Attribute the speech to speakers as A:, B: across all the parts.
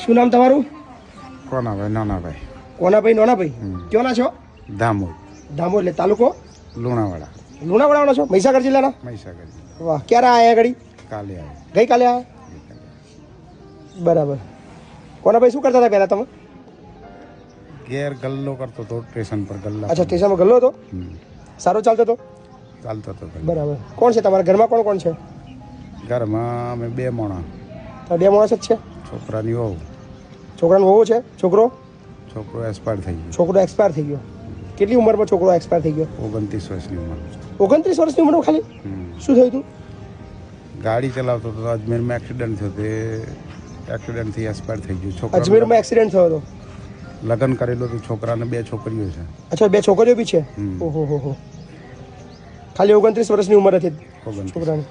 A: શું નામ તમારું?
B: કોનાભાઈ નાનાભાઈ.
A: કોનાભાઈ નાનાભાઈ ક્યોંના છો?
B: દામોદ.
A: દામોદ એટલે તાલુકો
B: લુણાવાડા.
A: લુણાવાડાના છો? મહીસાગર જિલ્લાના?
B: મહીસાગર.
A: વાહ, ક્યારે આયા ઘડી?
B: કાલે આવ્યો.
A: ગઈકાલે આયા? બરાબર. કોનાભાઈ શું કરતા હતા પહેલા તમે?
B: ઘેર ગલ્લો કરતો હતો સ્ટેશન પર ગલ્લા.
A: અચ્છા, સ્ટેશનમાં ગલ્લો હતો? સારો ચાલતો હતો?
B: ચાલતો હતો.
A: બરાબર. કોણ છે તમારા ઘરમાં? કોણ કોણ છે?
B: ઘરમાં અમે 2 માણસ.
A: તો 2 માણસ જ છે?
B: છોકરાની વહુ.
A: છોકરાનો વહુ છે? છોકરો
B: એક્સપાયર થઈ ગયો.
A: છોકરો એક્સપાયર થઈ ગયો. કેટલી ઉંમરમાં છોકરો એક્સપાયર થઈ ગયો?
B: 29 વર્ષની ઉંમર.
A: 29 વર્ષની ઉંમરમાં ખાલી? શું થયું હતું?
B: ગાડી ચલાવતો હતો, અજમેરમાં એક્સિડન્ટ થયો. તે એક્સિડન્ટથી એક્સપાયર થઈ ગયો. છોકરા
A: અજમેરમાં એક્સિડન્ટ થયો હતો?
B: લગ્ન કરેલું હતું. છોકરાને 2 છોકરીઓ છે.
A: અચ્છા, 2 છોકરીઓ બી છે? ઓહો હો. ખાલી 29 વર્ષની ઉંમર હતી છોકરાની.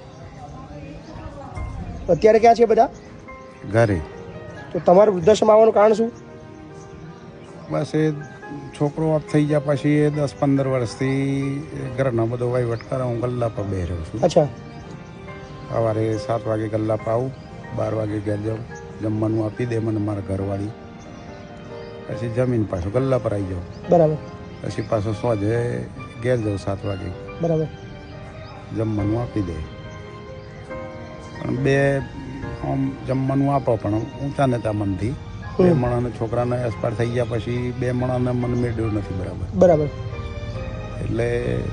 A: અત્યારે ક્યાં છે બધા?
B: ઘરે.
A: તો તમારું વૃદ્ધાશ્રમ આવવાનું કારણ શું?
B: બસ એ છોકરો ઓફ થઈ ગયા પછી એ 10-15 વર્ષથી ઘરનો બધો વહીવટ કરે. હું ગલ્લા પર બે રહ્યો છું.
A: અચ્છા.
B: સવારે 7 વાગે ગલ્લા પર આવું, 12 વાગે ઘેર જાઉં, જમવાનું આપી દે મને મારા ઘરવાળી. પછી જમીન પાછો ગલ્લા પર આવી જાઉં.
A: બરાબર.
B: પછી પાછો સોજે ઘેર જાઉં 7 વાગે.
A: બરાબર.
B: જમવાનું આપી દે. પણ 2 આમ જમવાનું આપો પણ ઊંચા નેતા મનથી. 2 માણસને છોકરાને એક્સપાયર થઈ ગયા પછી 2 માણસને મન મેળવ્યું નથી. બરાબર.
A: બરાબર.
B: એટલે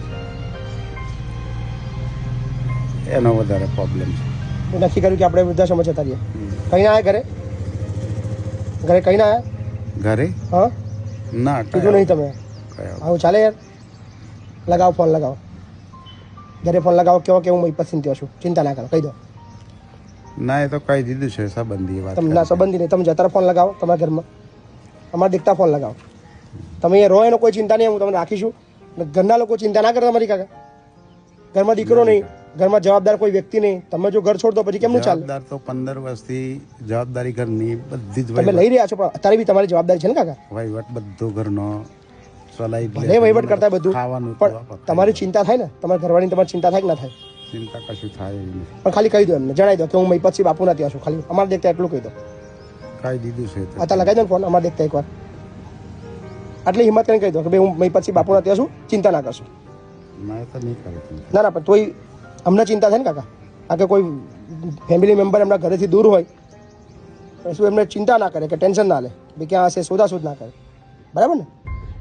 B: એનો વધારે પ્રોબ્લેમ છે.
A: નક્કી કર્યું કે આપણે વૃદ્ધાશ્રમ જતા રહીએ. કઈ ના આવ્યા ઘરે? ઘરે કઈ ના આવ્યા?
B: ઘરે
A: હા
B: ના
A: કીધું નહીં તમે? આવું ચાલે યાર? લગાવો ફોન, લગાવો ઘરે ફોન લગાવો. કેવો કે હું પસંદ થયો છું, ચિંતા ના કરો, કહી દો.
B: ના, એ તો કહી દીધું છે સંબંધી વાત.
A: તમે ના સંબંધી નહીં, તમે જતા ફોન લગાવો તમારા ઘરમાં. અમારા દીકતા ફોન લગાવો. તમે અહીંયા રહો એનો કોઈ ચિંતા નહીં, હું તમને રાખીશું. ઘરના લોકો ચિંતા ના કરે તમારી કાકા. ઘરમાં દીકરો નહીં, ઘરમાં જવાબદાર કોઈ વ્યક્તિ નહીં. તમે જો ઘર છોડ દો પછી કેમનું ચાલે?
B: જવાબદાર તો 15 વર્ષથી જવાબદારી ઘરની બધી જ
A: તમે લઈ રહ્યા છો, પણ અત્યારે બી તમારી જવાબદારી છે ને કાકા?
B: વહીવટ બધો ઘરનો ચલાવી
A: ભલે વહીવટ કરતા બધું,
B: ખાવાનું
A: પણ તમારી ચિંતા થાય ને? તમારા ઘરવાળીની તમારી ચિંતા થાય કે ના થાય?
B: ચિંતા કશું થાય એવી નથી.
A: પણ ખાલી કહી દો એમને, જણાવી દો કે હું મહીપતસિંહ બાપુના ત્યાં છું. ખાલી અમારે દેખતા એટલું કહી દો.
B: કહી દીધું છે.
A: અત્યારે લગાવી દો ને ફોન, અમારે દેખતા એકવાર. આટલી હિંમત કરીને કહી દો કે ભાઈ હું મહીપતસિંહ બાપુના ત્યાં છું, ચિંતા ના કરશો.
B: ના, તો નહીં કરે.
A: ના ના, પણ તોય અમને ચિંતા થાય ને કાકા. આ કે કોઈ ફેમિલી મેમ્બર એમના ઘરેથી દૂર હોય, શું એમને ચિંતા ના કરે કે ટેન્શન ના લે ભાઈ ક્યાં હશે, શોધાશોધ ના કરે. બરાબર ને?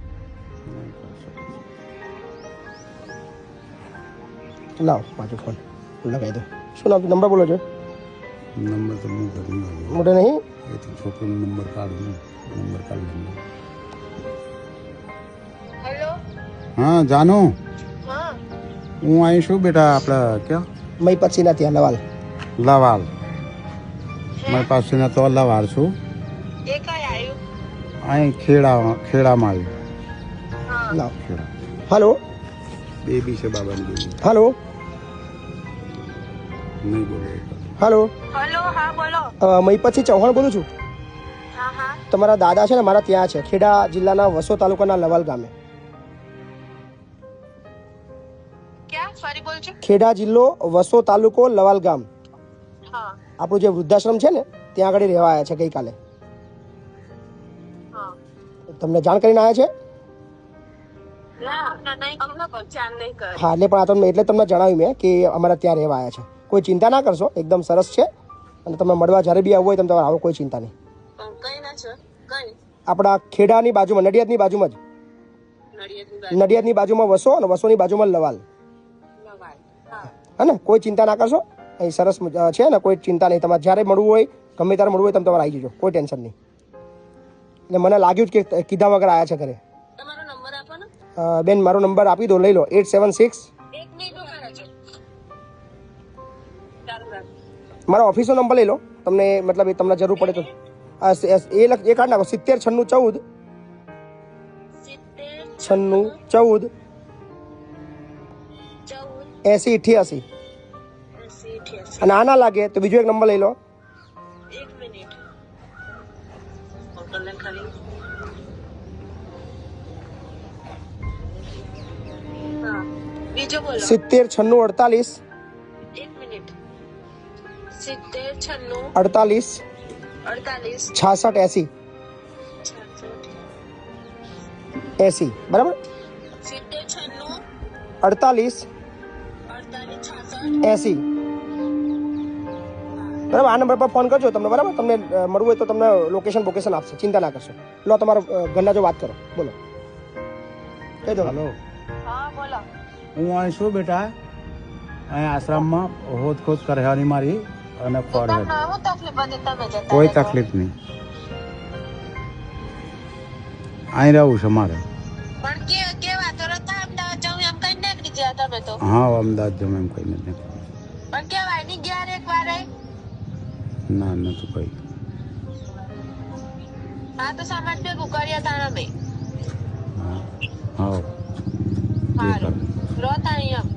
A: લાવો પાછો ફોન લગાવી દો. શું નામ? નંબર બોલો છો?
B: નંબર તો હું ઘર
A: મોટે નહીં.
B: એ તો છોકરીનો નંબર કાઢું. નંબર કાઢી.
C: હેલો.
B: હા જાનુ,
C: હા
B: હું અહીં છું બેટા. આપણે ક્યાં?
A: મહીપતસિંહના ત્યાં લવાલ.
B: લવાલ. મારી પાસેના તો લવાલ છું.
C: એ કઈ આવ્યું?
B: અહીં ખેડામાં આવ્યું.
C: હા
A: લાવ.
B: ખેડા.
A: હલો.
B: બેબી છે, બાબાની બેબી.
A: હલો.
B: નહીં બોલો.
A: હલો.
C: હેલો. હા બોલો.
A: મહીપતસિંહ ચૌહાણ બોલું છું.
C: હા હા.
A: તમારા દાદા છે ને મારા ત્યાં છે, ખેડા જિલ્લાના વસો તાલુકાના લવાલ ગામે.
C: ક્યાં? ફરી બોલજો.
A: ખેડા જિલ્લો, વસો તાલુકો, લવાલ ગામ.
C: હા
A: આપણું જે વૃદ્ધાશ્રમ છે ને ત્યાં આગળ રહેવા આવ્યા છે ગઈકાલે.
C: હા.
A: તમને જાણ કરીને આવ્યા છે?
C: ના નહીં, અમને કોઈ જાણ નહીં કરે.
A: હા, એટલે પણ આ તમને એટલે તમને જણાવ્યું મેં કે અમારા ત્યાં રહેવા આવ્યા છે. કોઈ ચિંતા ના કરશો, એકદમ સરસ છે. અને તમે મળવા જ્યારે બી આવવું હોય તમે તમારે આવો, કોઈ ચિંતા નહીં.
C: કઈ ના છે? કઈ?
A: આપણા ખેડાની બાજુમાં, નડિયાદની બાજુમાં જ. નડિયાદની બાજુમાં વસો અને વસોની બાજુમાં લવાલ. હા ને, કોઈ ચિંતા ના કરશો. અહીં સરસ છે ને, કોઈ ચિંતા નહીં. તમારે જ્યારે મળવું હોય, ગમે ત્યારે મળવું હોય તમે તમારે આવી જજો, કોઈ ટેન્શન નહીં. એટલે મને લાગ્યું જ કે કીધા વગર આવ્યા છે ઘરે.
C: તમારો નંબર આપો ને.
A: બેન મારો નંબર આપી દો, લઈ લો. 876.
C: એક મિનિટ ઉભા રહેજો. ચાલુ રાખ.
A: મારા ઓફિસનો નંબર લઈ લો, તમને મતલબ તમને જરૂર પડે તો. એ કાઢ નાખો. 70 96 14 96 14 80 88. અને આ ના લાગે તો બીજો એક નંબર લઈ લો.
C: એક મિનિટ. હા, બીજો બોલો.
A: 70 96 48.
C: એક મિનિટ. 70 96
A: 48
C: 48
A: 66 80 80 બરાબર
C: 70 96
A: 48
C: 48 66
A: 80 બરાબર. આ નંબર પર ફોન કરજો તમને, બરાબર. તમને મળવું હોય તો તમને લોકેશન આપશે, ચિંતા ના કરશો. લો તમારો ઘરના જો વાત કરો, બોલો. કહી દો.
B: હલો,
C: હા બોલો.
B: હું અહીં છું બેટા, અહીં આશ્રમમાં હોદ ખોદ કરવાની મારી અને ફળ
C: તમને શું તકલીફ હતી તમે જતા
B: કોઈ
C: રહેજો?
B: તકલીફ નહીં, અહીં રહેવું છે મારે.
C: પણ કેવા તો રતા અમદાવાદ જાઉં એમ કઈ નીકળી ગયા તમે તો.
B: હા, અમદાવાદ જમ એમ કઈ નથી.
C: પણ કેવાય નહીં ગયા એક વાર
B: ના, નથી કઈ.
C: હા તો સામાન ભેગું કર્યા તા અમે.
B: હા, હા,
C: સારું રોતા એમ